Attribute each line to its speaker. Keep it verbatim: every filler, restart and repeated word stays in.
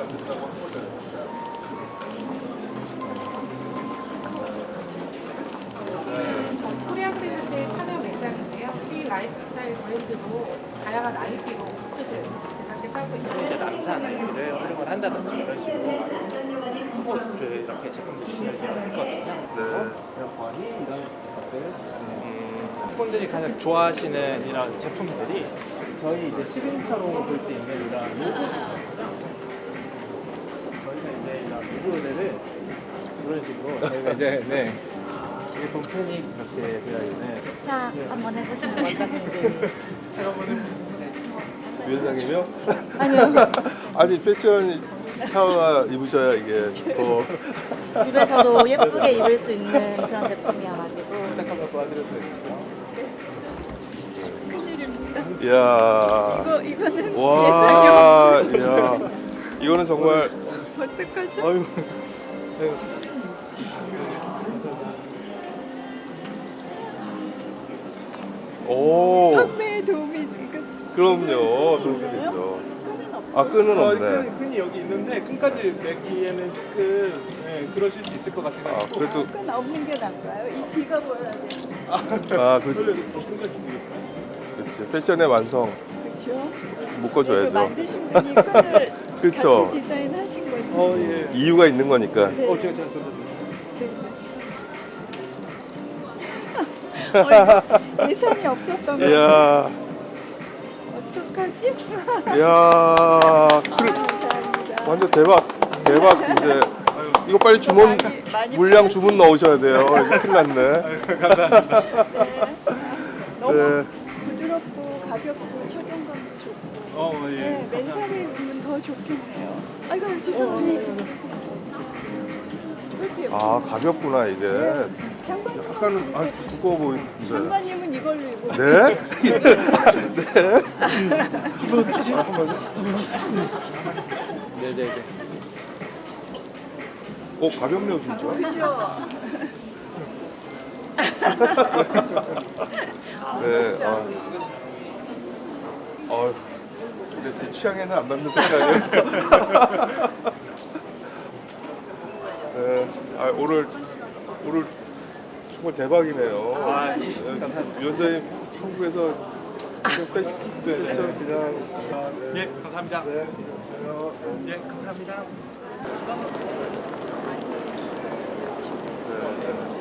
Speaker 1: 코리아 프린스의 참여 매장인데요. 이 라이프스타일 브랜드로 다양한 아이피로 굿즈들 제작해 싸고 있어요.
Speaker 2: 남산 아이를 활용을 한다든지 이런 식으로 그 이렇게 제품들 진열을 했거든요.
Speaker 3: 네.
Speaker 2: 에어컨이 이런 것들. 음, 팬분들이 가장 좋아하시는 이런 제품들이 저희 이제 시그니처로 볼 수 있는 이런 로고. 저희가 이제 이런 로고들을 이런 식으로 저희가 이제 네. 이게 동편이 그렇게 되어 있는.
Speaker 4: 자, 한번 해보시는 거 어떠신지.
Speaker 3: 위원장님이요?
Speaker 4: 아니요.
Speaker 3: 아니 패션 스타가 입으셔야 이게 더
Speaker 4: 집에서도 예쁘게 입을 수 있는 그런 제품이어가지고.
Speaker 2: 시작 한번 도와드릴 수 있을까요?
Speaker 5: 큰일입니다.
Speaker 3: 이야.
Speaker 5: 이거 이거는
Speaker 3: 와.
Speaker 5: 예상이 없어.
Speaker 3: 이야. 이거는 정말
Speaker 5: 어떡하지?
Speaker 3: 아유. 오.
Speaker 5: 판매에 도움이 이거
Speaker 3: 그럼요. 도움이 되죠. 아 끈은
Speaker 2: 어,
Speaker 3: 없네.
Speaker 2: 끈, 끈이 여기 있는데 끈까지 매기에는 조금 네, 그러실 수 있을 것
Speaker 3: 아
Speaker 2: 같아요.
Speaker 3: 그래도
Speaker 5: 끈 없는 게 나은가요? 이 뒤가 보여야 돼.
Speaker 3: 아 그,
Speaker 2: 그러려고 또 끈까지 준비했어요.
Speaker 3: 그렇지 패션의 완성
Speaker 5: 그렇죠? 이거
Speaker 3: 묶어줘야죠.
Speaker 5: 만드신 분이 끈을
Speaker 3: 그쵸.
Speaker 5: 같이 디자인하신 거예요.
Speaker 2: 어, 예.
Speaker 3: 이유가 있는 거니까.
Speaker 5: 네.
Speaker 2: 어, 제가 제가 저도
Speaker 5: 어, 이거 예상이 없었던 거.
Speaker 3: 이야.
Speaker 5: 어떡하지?
Speaker 3: 이야.
Speaker 5: 아,
Speaker 3: 그-
Speaker 5: 감사합니다.
Speaker 3: 완전 대박 대박 이제 이거 빨리 주문
Speaker 5: 많이, 많이
Speaker 3: 물량
Speaker 5: 팔렸습니다.
Speaker 3: 주문 넣으셔야 돼요. 이제 큰일 났네.
Speaker 5: 네. 너무
Speaker 3: 네.
Speaker 5: 부드럽고 가볍고 착용감도 좋고.
Speaker 2: 어, 예.
Speaker 5: 네, 맨살에 입으면 더 좋겠네요. 아이고 죄송해요. 그렇게
Speaker 3: 아 가볍구나 이게.
Speaker 5: 장관님,
Speaker 3: 약간은 아 두꺼워 보이는데.
Speaker 5: 장관님은 이걸로 입어.
Speaker 3: 네? 네?
Speaker 2: 네, 네, 네.
Speaker 3: 어 가볍네요 진짜.
Speaker 5: 그죠?
Speaker 3: 네. 아. 어. 근데 제 취향에는 안 맞는 색깔이어서. 네. 아 오늘 오늘 정말 대박이네요.
Speaker 2: 아, 예.
Speaker 3: 네,
Speaker 2: 감사합니다.
Speaker 3: 위원장님 한국에서 그냥 패션, 패션 그냥
Speaker 2: 예, 감사합니다.
Speaker 3: 네.
Speaker 2: 예, 감사합니다.
Speaker 3: 네.